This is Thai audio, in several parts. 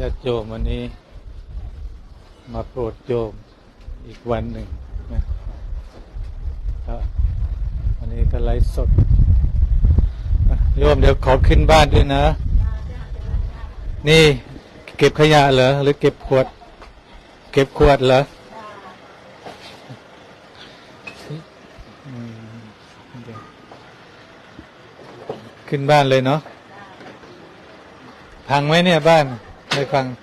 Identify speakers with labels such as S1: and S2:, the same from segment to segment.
S1: าติโยมวันนี้มาโปรดโยมอีกวันหนึ่งนะวันนี้ก็ไลฟ์สดโยมเดี๋ยวขอขึ้นบ้านด้วยนะนี่เก็บขยะเหรอหรือเก็บขวดเหรอขึ้นบ้านเลยเนาะพังไหมเนี่ยบ้านไม่พัง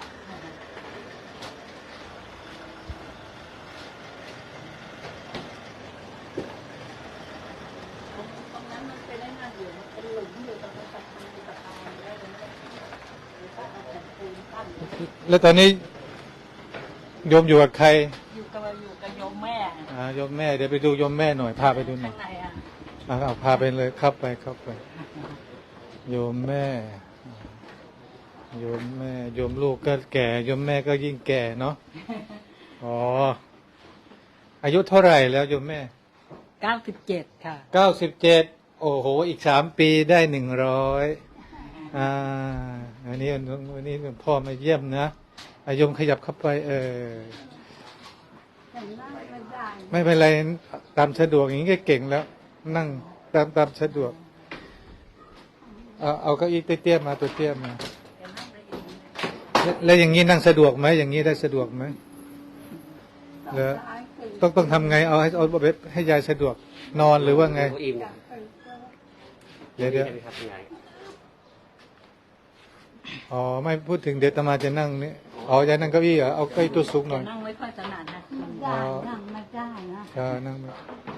S1: แล้วตอนนี้โยมอยู่กับใคร
S2: อยู่กับโยมแม่
S1: โยมแม่เดี๋ยวไปดูโยมแม่หน่อยพาไปดูหน่อยเอาพาไปเลยเข้าไปโยมแม่โยมลูกก็แก่โยมแม่ก็ยิ่งแก่เนาะอ๋ออายุเท่าไหร่แล้วโยมแม่
S2: 97ค่ะ
S1: 97โอ้โหอีก3 ปีได้100วันนี้พ่อมาเยี่ยมนะโยมขยับเข้าไปไม่เป็นไรตามสะดวกอย่างนี้ก็เก่งแล้วนั่งตามสะดวกเอาเก้าอี้เตี้ยๆมาตัวเตี้ยมาแล้วอย่างนี้นั่งสะดวกไหมอย่างนี้ได้สะดวกไหมแล้วต้องทำไงเอาให้ยายสะดวกนอนหรือว่าไงเดี๋ยวอ๋อไม่พูดถึงเดี๋ยวตมาจะนั่งนี่อ๋อยายนั่งเก้าอี้เหรอเอาเก้าอี้ตัวสูงหน่อย
S2: นั่งไม่ค่อยถนัดนะ
S3: นั่งไม่ได้นะ
S1: นั่งไม่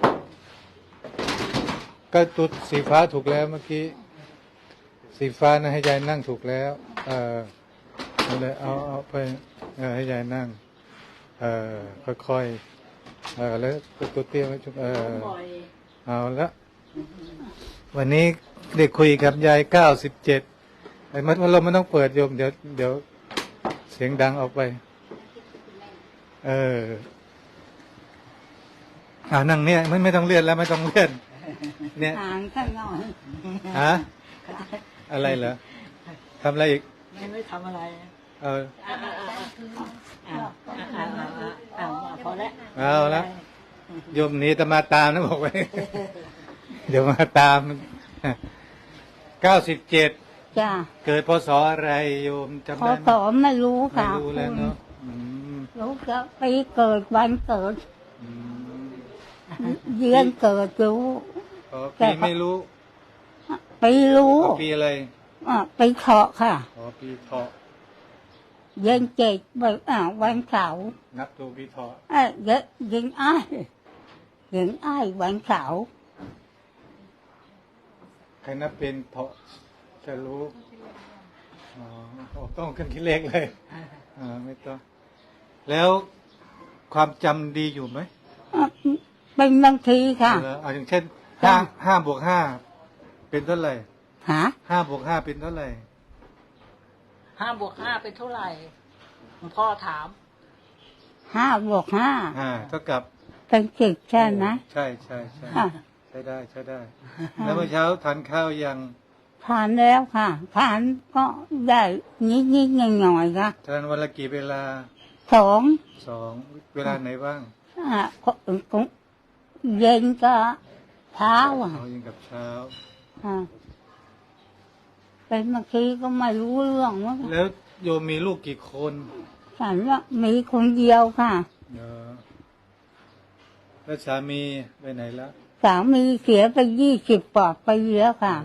S1: ก็ตัวสีฟ้าถูกแล้วเมื่อกี้สีฟ้านะให้ยายนั่งถูกแล้วเอาเลยเอาไปให้ยายนั่งค่อยๆแล้วตัวเตี้ยไว้ชุบเอาละวันนี้เด็กคุยกับยาย97ไอ้มันเราไม่ต้องเปิดโยมเดี๋ยวเสียงดังออกไปนั่งเนี่ยไม่ต้องเลื่อนแล้วไม่ต้องเลื่อนเนี่ย
S3: ห่างข้างนอก
S1: อะไรเหรอทำอะไรอีก
S2: ไม่ทำอะไรพอแล้ว
S1: เอาละโยมนี้จะมาตามนะบอกไว้เดี๋ยวมาตาม97
S3: จ้า
S1: เกิดพศอะไรโยมจำได้
S3: พศไม่รู้ค่ะ
S1: ไม่รู้แล้วเนาะ
S3: รู้จะปีเกิดวันเกิดเดือนเกิดรู้
S1: ปีไม่รู้
S3: ปีรู้
S1: ปีอะไร
S3: ปีเถาะค่ะ
S1: ปีเถาะ
S3: เดือน7วันเสาร์
S1: นับตัวปีเถาะ
S3: เดือนอ้ายวันเสาร์
S1: ใครนับเป็นเถาะจะรู้ต้องขึ้นที่เลขเลยไม่ต้องแล้วความจำดีอยู่ไหม
S3: เป็นบางทีค่ะ
S1: อย่างเช่น5 บวก 5เป็นเท่าไหร่5 บวก 5เป็นเท่าไหร่
S2: 5 บวก 5เป็นเท่าไหร่หลวงพ่อถาม
S3: 5 บวก 5
S1: เท่ากับ
S3: เป็น10ใช่ไหม
S1: ใช่ใช้ได้แล้วเมื่อเช้าทานข้าวยัง
S3: ทานแล้วค่ะทานก็ได้นิดหน่อยค่ะ
S1: ทานวันละกี่เวลา
S3: 2
S1: เวลาไหนบ้าง
S3: เย็นกับเช้า
S1: เย็นกับเช้า
S3: เป็นบางทีก็ไม่รู้เรื่องว่า
S1: แล้วโยมมีลูกกี่คน
S3: ฉันว่ามีคนเดียวค่ะ
S1: แล้วสามีไปไหนแล้ว
S3: สามีเสียไป20 กว่าปีแล้วค่ะ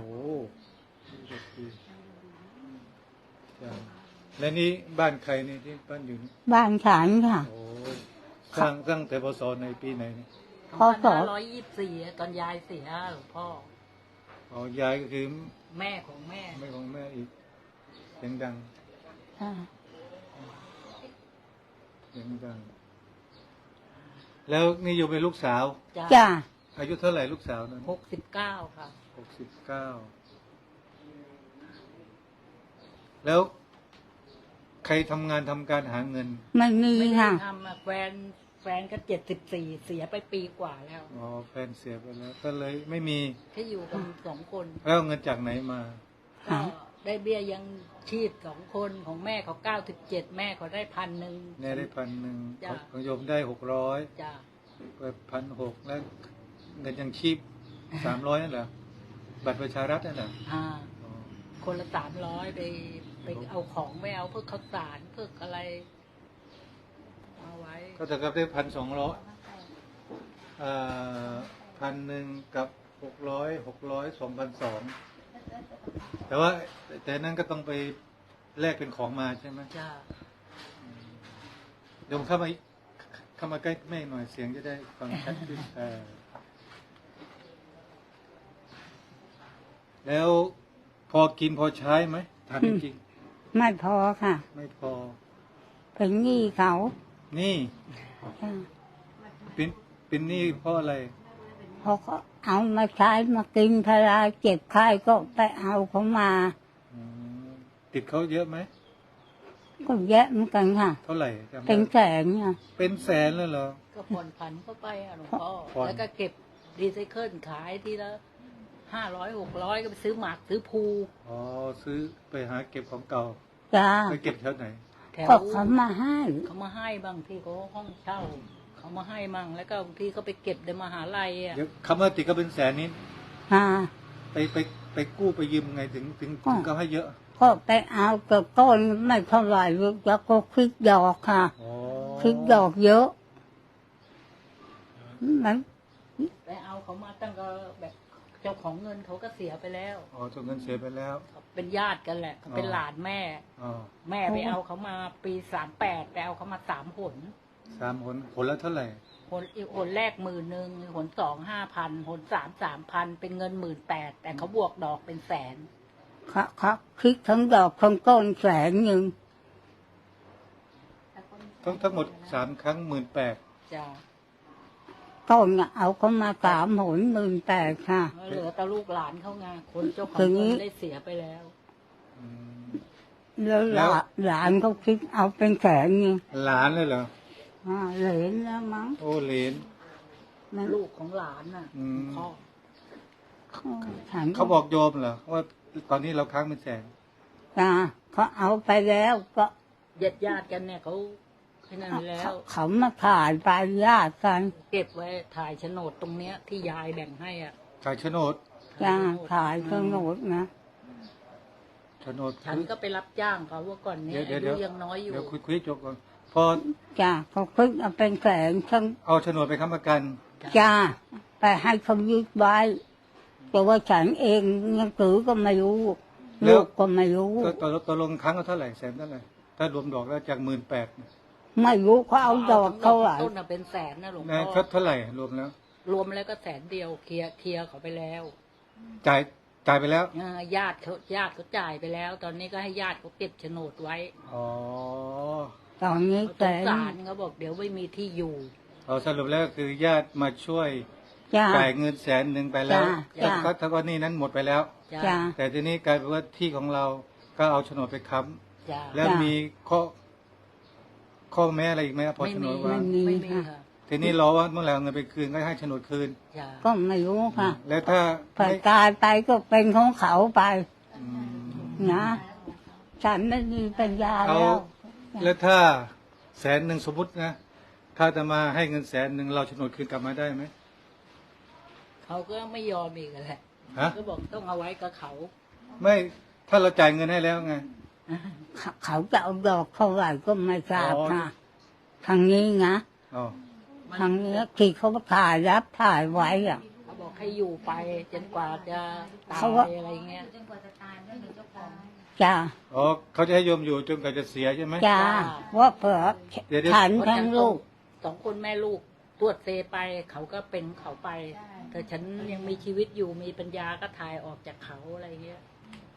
S1: แล้วนี่บ้านใครนี่ที่บ้านอยู่นี่
S3: บ้านฉันค่ะ
S1: สร้างแต่พศในปีไหนนี่
S2: พศ124ตอนยายเสียหลวงพ่
S1: อยายก็คือ
S2: แม่ของแม่
S1: อีกเสียงดังแล้วนี่อยู่เป็นลูกสาว
S3: จ้า
S1: อายุเท่าไหร่ลูกสาวนั้น
S2: 69ค่ะ
S1: 69แล้วใครทำการหาเงิน
S3: ไม่มีค่ะ
S2: ทำแฟนก็74เสียไปปีกว่าแล้ว
S1: แฟนเสียไปแล้วก็เลยไม่มี
S2: แค่อยู่กัน2 คน
S1: แล้วเงินจากไหนมา
S2: ก็ได้เบี้ยยังชีพ2 คนของแม่เขา97แม่เขาได้1,000
S1: แม่ได้1,000
S2: จ้ะ
S1: ของโยมได้600
S2: จ้ะ
S1: ไป1,600แล้วเงินยังชีพ300นั่นเหรอบัตรประชารัฐนั่นเหรอ
S2: อ่า
S1: อ๋อ
S2: คนละ300ไปเอาของไม่เอาเพื่อข้าวสารเพื่ออะไรเอาไว้
S1: ก็เท่ากับได้1,2001,000กับ600 2,200แต่ว่าแต่นั้นก็ต้องไปแลกเป็นของมาใช่ไหม
S2: จ้า
S1: โยมเข้ามาใกล้แม่หน่อยเสียงจะได้ฟังชัดขึ้นแล้วพอกินพอใช้ไหมถามจริง
S3: ไม่พอค่ะ
S1: ๆไม่พอ
S3: เป็นหนี้เขา
S1: นี่
S3: จ้ะ
S1: เป็นหนี้เพราะอะไร
S3: พอเขาเอามาใช้มากินพลาเจ็บไข้ก็ไปเอาเขามา
S1: อืมติดเขาเยอะไหม
S3: ก็แยะเหมือนกันค่ะ
S1: เท่าไหร่จำได้
S3: เป็นแสนเนี่ย
S1: เป็นแสนเลยเหรอ
S2: ก็ผ่อนผันเข้าไปอ่ะหลวงพ่อ
S1: ผ่อน
S2: แล้วก็เก็บรีไซเคิลขายทีละ500 600ก็ไปซื้อหมากซื้อภู
S1: อ๋อซื้อไปหาเก็บของเก่า
S3: จ้า
S1: ไปเก็บแถวไหน
S2: แถว
S3: ก็เขามาให้
S2: เขามาให้บางทีเขาห้องเช่าเขามาให้มั่งแล้วก็บางทีเขาไปเก็บในมหาลัยอ่ะ
S1: เดี๋ยวคำว่าติดก็เป็นแสนนี้
S3: อ่า
S1: ไปกู้ไปยืมไงถึงเขาให้เยอะ
S3: ก็ไปเอากับต้นไม่เท่าไหร่แล้วก็คิดดอกค่ะ
S1: อ๋อ
S3: คิดดอกเยอะมัน
S2: ไปเอาเขามาตั้งก็แบบเจ้าของเงินเขาก็เสียไปแล้ว
S1: อ๋อจนเงินเสียไปแล้ว
S2: เขาเป็นญาติกันแหละเขาเป็นหลานแม่
S1: อ๋อ
S2: แม่ไปเอาเขามาปี38ไปเอาเขามา3 หน
S1: 3 หนละเท่าไหร่
S2: อีกหนแรก10,000หน2 5,000หน3 3,000เป็นเงิน18,000แต่เขาบวกดอกเป็นแสน
S3: เขาคิดทั้งดอกทั้งต้น100,000
S1: ทั้งหมด3 ครั้ง18,000
S2: จ้า
S3: ต้นน่ะเอาเขามา3 หน18,000ค่ะ
S2: เหลือแต่ลูกหลานเขาไงคนเจ้าของ
S3: ถึง
S2: เงินได้เสียไปแล้ว
S1: อืม
S3: แล้ว
S1: แล้ว
S3: หลานเขาคิดเอาเป็น100,000
S1: หลานเลยเหรอ
S3: เหลนแล้วมั้ง
S1: โอ้เหรน
S3: มัน
S2: ลูกของหลานน่ะ
S1: อืม
S2: พ่อ
S3: ฉัน
S1: เขาบอกโยมเหรอว่าตอนนี้เราค้างเป็นแสน
S3: จ้าเขาเอาไปแล้วก็
S2: ญาติกันเนี่ยเขาให้นั่นไปแล้ว
S3: เขามาถ่ายไปญาติกัน
S2: เก็บไว้ถ่ายโฉนดตรงเนี้ยที่ยายแบ่งให้อ่ะ
S1: ขายโฉนด
S3: จ้าถ่ายเครื่องโน้ตนะ
S1: โฉนด
S2: ฉันก็ไปรับจ้างเขาว่าก่อนเนี้ย
S1: เดี๋ยว
S2: อายุยังน้อยอยู่
S1: เดี๋ยวคุยจบก่อนพอ
S3: จ้าเขาคิดเอาเป็น100,000ทั้ง
S1: เอาโฉนดไปค้ำประกัน
S3: จ้าไปให้เขายึดไว้แต่ว่าฉันเองหนังสือก็ไม่รู้ลูกก็ไม่รู้
S1: ก็ตกลงครั้งละเท่าไหร่แสนเท่าไหร่ถ้ารวมดอกแล้วจาก18,000
S3: ไม่รู้เขาเอาดอกเท่าไหร่
S2: ต้นน่ะเป็นแสนนะหลวง
S1: นะ
S2: พ่อ
S1: เท่าไหร่รวมแล้ว
S2: รวมแล้วก็แสนเดียวเคลียร์เขาไปแล้ว
S1: จ่ายไปแล้ว
S2: ญาติเขาจ่ายไปแล้ว ตอนนี้ก็ให้ญาติเขาเก็บโฉนดไว้
S1: อ๋อ
S3: ตอนนี้
S2: เขาส
S3: แต่
S2: งสารเขาบอกเดี๋ยวไม่มีที่อยู่
S1: เอาสรุปแล้วคือญาติมาช่วย
S3: จ้า
S1: จ่ายเงิน100,000ไปแล้ว
S3: จ้ะ
S1: ถ้าว่านี่นั้นหมดไปแล้ว
S3: จ้า
S1: แต่ทีนี้กลายเป็นว่าที่ของเราก็เอาโฉนดไปค้
S2: จ้า
S1: ำแล้ว
S3: จ้ะ
S1: มีข้อแม้อะไรอีกไหมพอโฉนดว่า
S2: ไม่มีค่ะ
S1: ทีนี้รอว่าเมื่อไหร่เอาเงินไปคืนก็ให้โฉนดคืน
S2: จ้า
S3: ก็ไม่รู้ค่ะ
S1: แล้วถ้า
S3: ผ่าน
S1: ไม่
S3: กายไปก็เป็นของเขาไป
S1: อืม
S3: นะฉันไม่มีปัญญา
S1: เอา
S3: แล้ว
S1: แล้วถ้า100,000สมมตินะถ้าจะมาให้เงิน100,000เราโฉนดคืนกลับมาได้ไหม
S2: เขาก็ไม่ยอมอีกแหละ
S1: ฮะ
S2: ก็บอกต้องเอาไว้กับเขา
S1: ไม่ถ้าเราจ่ายเงินให้แล้วไง
S3: เขาจะเอาดอกเท่าไหร่ก็ไม่ทราบ
S1: อ๋อ
S3: ค่ะทางนี้นะ
S1: อ๋อ
S3: ทางนี้ที่เขาถ่ายรับถ่ายไว้อะ
S2: เขาบอกให้อยู่ไปจนกว่าจะตา
S3: เขาว่า
S2: ยอะไรเงี้ย
S3: จ้า
S1: อ๋อเขาจะให้โยมอยู่จนกว่าจะเสียใช่ไหม
S3: จ้าว่าเผื่อ
S1: เดี๋ยว
S3: ฉันทั้งลูก
S2: 2 คนแม่ลูกตรวจเซไป เขาก็เป็นเขาไป แต่ฉันยังมีชีวิตอยู่มีปัญญาก็ถ่ายออกจากเขาอะไรเงี้ย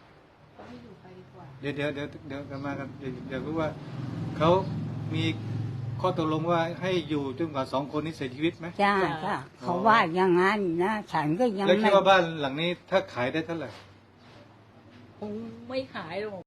S1: เดี๋ยวกันมากันเดี๋ยวรู้ว่าเขามีข้อตกลงว่าให้อยู่จนกว่า2 คนนี้เสียชีวิตไหม
S3: จ้าจ้าเขาว่าอย่างนั้นนะฉันก็ยัง
S1: แล้วคิ
S3: ไม่
S1: ดว่าบ้านหลังนี้ถ้าขายได้เท่าไหร่
S2: คงไม่ขายหรอก